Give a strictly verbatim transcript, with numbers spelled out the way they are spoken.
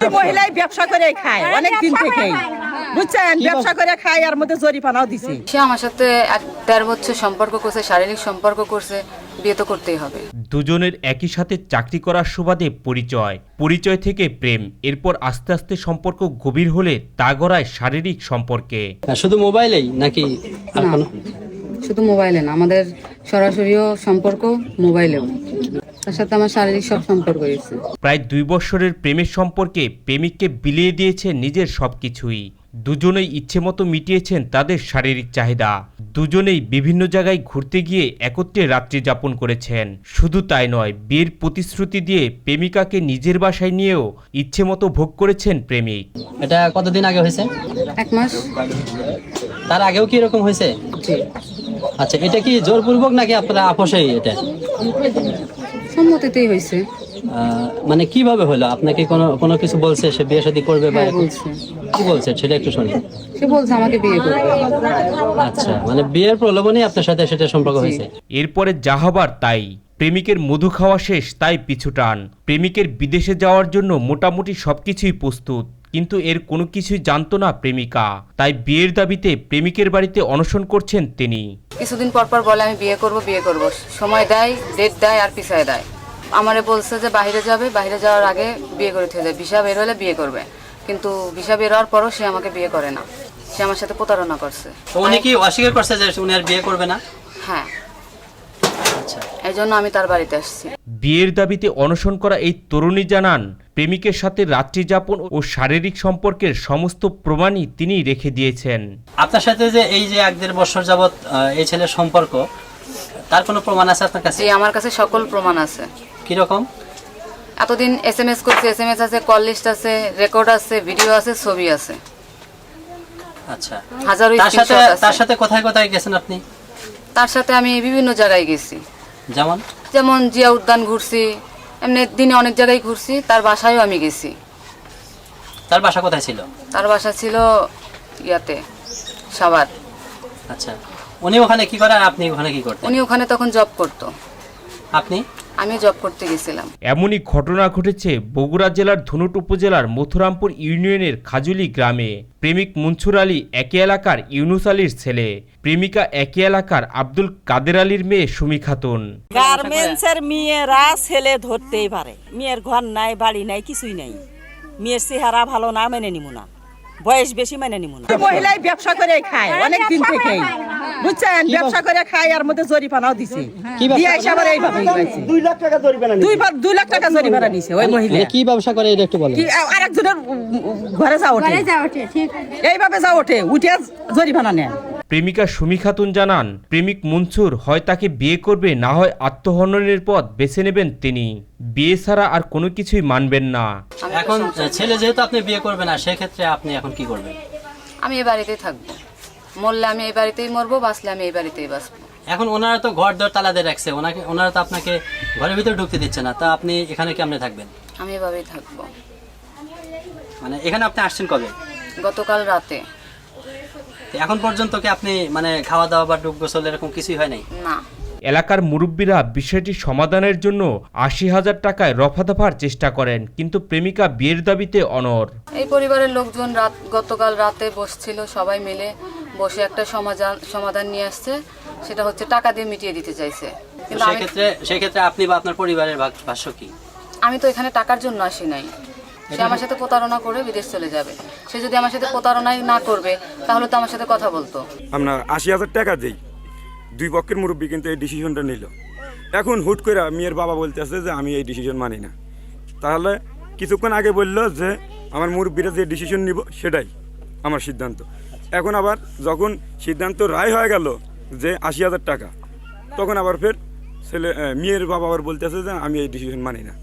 মহিলাই ব্যবসা করে খায় অনেক দিন থেকেই, বুঝছেন, ব্যবসা করে খায়, আর মধ্যে জরিপানাও দিছে। সে আমার সাথে এক দেড় বছর সম্পর্ক করছে, শারীরিক সম্পর্ক করছে, বিয়ে তো করতেই হবে। দুজনের একই সাথে চাকরি করার সুবাদে পরিচয়, পরিচয় থেকে প্রেম, এরপর আস্তে আস্তে সম্পর্ক গভীর হলে তা গড়ায় শারীরিক সম্পর্কে। শুধু মোবাইলেই নাকি আর কোনো? শুধু মোবাইলে না, আমাদের সরাসরিও সম্পর্ক মোবাইলেও। তার সাথে আমার শারীরিক সব সম্পর্ক হয়েছে। প্রায় দুই বছরের প্রেমের সম্পর্কে প্রেমিককে বিলিয়ে দিয়েছে নিজের সবকিছুই। দুজনেই ইচ্ছে মতো মিটিয়েছেন তাদের শারীরিক চাহিদা। দুজনেই বিভিন্ন জায়গায় ঘুরতে গিয়ে একত্রে রাত্রি যাপন করেছেন। শুধু তাই নয়, বিয়ের প্রতিশ্রুতি দিয়ে প্রেমিকাকে নিজের বাসায় নিয়েও ইচ্ছে মতো ভোগ করেছেন প্রেমিক। এটা কতদিন আগে হয়েছে? এক মাস। তার আগেও কি এরকম হয়েছে? আচ্ছা, এটা কি জোরপূর্বক নাকি আপনারা আপোষেই? এটা সম্মতিতেই হয়েছে। মানে কিভাবে হলো? আপনাকে কোনো কোনো কিছু বলছে সে বিয়ে শাদী করবে? বা হ্যাঁ, বলছে। কি বলছে সেটা একটু শুনি। সে বলছে আমাকে বিয়ে করবে। আচ্ছা, মানে বিয়ের প্রলোভনে আপনার সাথে সেটা সম্পর্ক হয়েছে। এরপরে যা হবার তাই। প্রেমিকের মধু খাওয়া শেষ, তাই পিছুটান। প্রেমিকের বিদেশে যাওয়ার জন্য মোটামুটি সবকিছুই প্রস্তুত, কিন্তু এর কোনো কিছুই জানতো না প্রেমিকা। তাই বিয়ের দাবিতে প্রেমিকের বাড়িতে অনশন করছেন তিনি। কিছুদিন পর পর বলে আমি বিয়ে করব বিয়ে করব, সময় দেয়, ডেট দেয়, আর পিছায় দেয়। আমারে বলছে যে বাইরে যাবে, বাইরে যাওয়ার আগে বিয়ে করে থেকে যায়, ভিসা বের হলে বিয়ে করবে। কিন্তু ভিসা বের হওয়ার পরও সে আমাকে বিয়ে করে না, সে আমার সাথে প্রতারণা করছে। তো উনি কি অস্বীকার করছে যে উনি আর বিয়ে করবে না? হ্যাঁ, আচ্ছা, এই জন্য আমি তার বাড়িতে আসছি। বিয়ের দাবিতে অনশন করা এই তরুণী জানান, প্রেমিকের সাথে রাত্রি যাপন ও শারীরিক সম্পর্কের সমস্ত প্রমাণই তিনি রেখে দিয়েছেন। আপনার সাথে যে এই যে এক দেড় বছর যাবৎ এই ছেলের সম্পর্ক, তার কোনো প্রমাণ আছে আপনার কাছে? জি, আমার কাছে সকল প্রমাণ আছে। কিরকম? এতদিন এস এম এস করছে, এস এম এস আছে, কল লিস্ট আছে, রেকর্ড আছে, ভিডিও আছে, ছবি আছে। আচ্ছা, হাজারো তার সাথে স্ক্রিনশট আছে। তার সাথে কোথায় কোথায় গেছেন আপনি? তার সাথে আমি বিভিন্ন জায়গায় গেছি, যেমন যেমন জিয়া উদ্যান ঘুরছি, এমনি দিনে অনেক জায়গায় ঘুরছি। তার বাসায়ও আমি গেছি। তার বাসা কোথায় ছিল? তার বাসা ছিল ইয়াতে, সাভার। আচ্ছা, উনি ওখানে কি করে আর আপনি ওখানে কি করতেন? উনি ওখানে তখন জব করতো, আপনি? আমি জব করতে গেছিলাম। এমনই ঘটনা ঘটেছে বগুড়া জেলার ধুনট উপজেলার মথুরামপুর ইউনিয়নের খাজুলি গ্রামে। প্রেমিক মনসুর আলী একই এলাকার ইউনুস আলীর ছেলে, প্রেমিকা একই এলাকার আব্দুল কাদের আলীর মেয়ে সুমি খাতুন। গার্মেন্টসের মেয়েরা ছেলে ধরতেই পারে, মেয়ের ঘর নাই, বাড়ি নাই, কিছুই নাই। মেয়ের চেহারা ভালো না, মেনে নিব না, বয়স বেশি, মেনে নিব না। মহিলাই ব্যবসা করে খায় অনেক দিন থেকেই, বুঝছেন, ব্যবসা করে খায়, আর মধ্যে জরিপানাও দিছে। দিয়ে এসে আবার এইভাবে দুই লাখ টাকা জরিপানা নিছে, দুইবার দুই লাখ টাকা জরিপানা নিছে ওই মহিলা। কি ব্যবসা করে এটা একটু বলেন। কি আরেকজনের ঘরে যা ওঠে, এইভাবে যা ওঠে, উঠে জরিপানা নেয়। প্রেমিকা সুমি খাতুন জানান, প্রেমিক মনসুর হয় তাকে বিয়ে করবে, না হয় আত্মহননের পথ বেছে নেবেন তিনি। বিয়ে ছাড়া আর কোনো কিছুই মানবেন না। এখন ছেলে যেহেতু আপনি বিয়ে করবেন না, সেক্ষেত্রে আপনি এখন কি করবেন? আমি এই বাড়িতেই থাকবো, মরলে আমি এই বাড়িতেই মরবো, বাঁচলে আমি এই বাড়িতেই বাঁচবো। এখন ওনারা তো ঘর দর তালা দিয়ে রাখছে, ওনাকে ওনারা তো আপনাকে ঘরের ভিতরে ঢুকতে দিচ্ছে না, তা আপনি এখানে কেমনে থাকবেন? আমি এভাবেই থাকবো। মানে এখানে আপনি আসছেন কবে? গতকাল রাতে। তো এখন পর্যন্ত কি আপনি মানে খাওয়া দাওয়া বা ডুব গোসল এরকম কিছুই হয় নাই? না। এলাকার মুরব্বীরা বিষয়টি সমাধানের জন্য আশি হাজার টাকায় রফা দফার চেষ্টা করেন, কিন্তু প্রেমিকা বিয়ের দাবিতে অনড়। এই পরিবারের লোকজন রাত গতকাল রাতে বসছিল, সবাই মিলে বসে একটা সমাধান সমাধান নিয়ে আসছে, সেটা হচ্ছে টাকা দিয়ে মিটিয়ে দিতে চাইছে। কিন্তু আমি সেক্ষেত্রে সেক্ষেত্রে আপনি বা আপনার পরিবারের ভাগ- ভাষ্য কি? আমি তো এখানে টাকার জন্য আসি নাই। সে আমার সাথে প্রতারণা করে বিদেশ চলে যাবে। সে যদি আমার সাথে প্রতারণাই না করবে, তাহলে তো আমার সাথে কথা বলতো। আপনার আশি হাজার টাকা দিই, দুই পক্ষের মুরব্বী কিন্তু এই ডিসিশনটা নিল। এখন হুট করে মেয়ের বাবা বলতেছে যে আমি এই ডিসিশন মানি না। তাহলে কিছুক্ষণ আগে বললো যে আমার মুরব্বীরা যে ডিসিশন নিব সেটাই আমার সিদ্ধান্ত। এখন আবার যখন সিদ্ধান্ত রায় হয়ে গেল যে আশি হাজার টাকা, তখন আবার ফের ছেলে মেয়ের বাবা আবার বলতেছে যে আমি এই ডিসিশন মানি না।